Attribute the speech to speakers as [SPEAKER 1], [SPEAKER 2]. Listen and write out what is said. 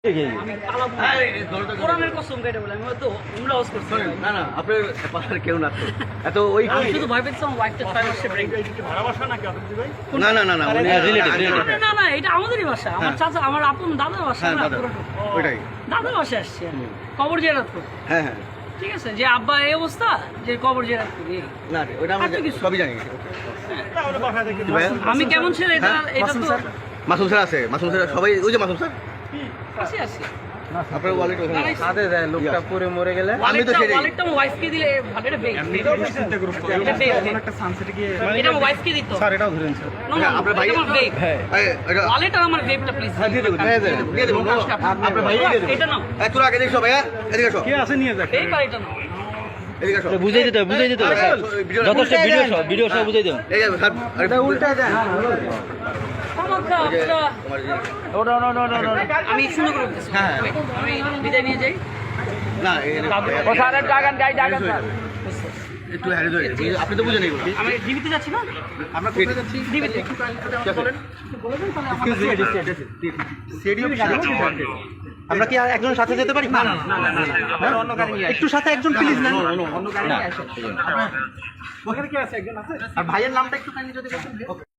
[SPEAKER 1] কোরআনের কসম কেটে বলে আমি হয়তো উমরা ওয়াজ করছি
[SPEAKER 2] না না আপনার পাশে কেউ না তো এত ওই
[SPEAKER 1] আমি শুধু ভয় পেয়েছি আমার ওয়াইফটা 6 মাসে প্রেগন্যান্ট
[SPEAKER 3] ভালোবাসা নাকি আপনি ভাই?
[SPEAKER 2] না না না না
[SPEAKER 1] না না এটা আমাদেরই বাসা আমার চাচা আমার আপন দাদার বাসা
[SPEAKER 2] হ্যাঁ
[SPEAKER 1] না
[SPEAKER 2] দাদা
[SPEAKER 1] পুরোটা।
[SPEAKER 2] ওইটাই
[SPEAKER 1] দাদার বাসা আসছি আমি। কবর জিয়ারত করতে
[SPEAKER 2] হ্যাঁ হ্যাঁ
[SPEAKER 1] ঠিক আছে যে আব্বা এই অবস্থা যে কবর জিয়ারত করি এই।
[SPEAKER 2] না ওইটা আমরা
[SPEAKER 1] আর তো কিছু।
[SPEAKER 2] সবই জানি
[SPEAKER 3] তাহলে বাসা থেকে
[SPEAKER 2] কি ভাইয়া?
[SPEAKER 1] আমি কেমন ছেলে এটা
[SPEAKER 2] হ্যাঁ,
[SPEAKER 1] এটা তো
[SPEAKER 2] মাসুম স্যার আছে মাসুম স্যার সবাই ওই যে মাসুম স্যার
[SPEAKER 1] আসি আসি
[SPEAKER 2] আপনার ওয়ালেট ওখানে আছে।
[SPEAKER 4] হাতে দেয় লোকটা পরে মরে গেলে
[SPEAKER 2] আমি তো সেটাই
[SPEAKER 1] ওয়ালেটটা আমার ওয়াইফকে দিলে ভালো এটা বেগ
[SPEAKER 3] চিন্তা করুন
[SPEAKER 1] এটা বেগ
[SPEAKER 4] একটা সানসেটে গিয়ে
[SPEAKER 1] এটা আমার ওয়াইফকে দিত
[SPEAKER 4] স্যার এটাও ধরেন স্যার
[SPEAKER 1] না না
[SPEAKER 2] আপনার ভাই
[SPEAKER 1] এটা আমার বেগ
[SPEAKER 2] এটা
[SPEAKER 1] ওয়ালেট আর আমার বেগটা প্লিজ
[SPEAKER 2] হ্যাঁ দিয়ে দেবো দিয়ে দেবো আপনার ভাই দিয়ে দেবো
[SPEAKER 1] এটা নাও
[SPEAKER 2] তোরা আগে দেখছো ভাইয়া এদিকে আসো
[SPEAKER 4] কে আছে নিয়ে যাক
[SPEAKER 1] এই পার এটা নাও
[SPEAKER 2] এদিকে আসো
[SPEAKER 5] বুঝাই দিতে হবে স্যার যথেষ্ট ভিডিও সব বুঝাই দেবেন
[SPEAKER 2] এই যে স্যার আরে
[SPEAKER 4] উল্টা দেন
[SPEAKER 1] আমাকে
[SPEAKER 2] ওটা
[SPEAKER 1] আমি সুন্দর করে বলতেছি
[SPEAKER 2] হ্যাঁ,
[SPEAKER 1] আমি বিদায় নিয়ে যাই
[SPEAKER 2] না
[SPEAKER 1] ও স্যারের ডাগান গাই ডাগান স্যার
[SPEAKER 2] একটু হ্যারে ধরে আপনি তো বুঝেন এগুলো
[SPEAKER 1] আমি ডিবিতে যাচ্ছি না
[SPEAKER 2] আমরা কোথায় যাচ্ছি
[SPEAKER 1] ডিবিতে
[SPEAKER 2] বলেন
[SPEAKER 4] আমরা কি আর একজন সাথে যেতে পারি না অন্য গাড়ি নিয়ে একটু সাথে একজন প্লিজ না অন্য গাড়ি নিয়ে আসেন ওখানে কি আছে একজন আছে আর ভাইয়ের নামটা একটু কাইন্ডলি যদি বলতেন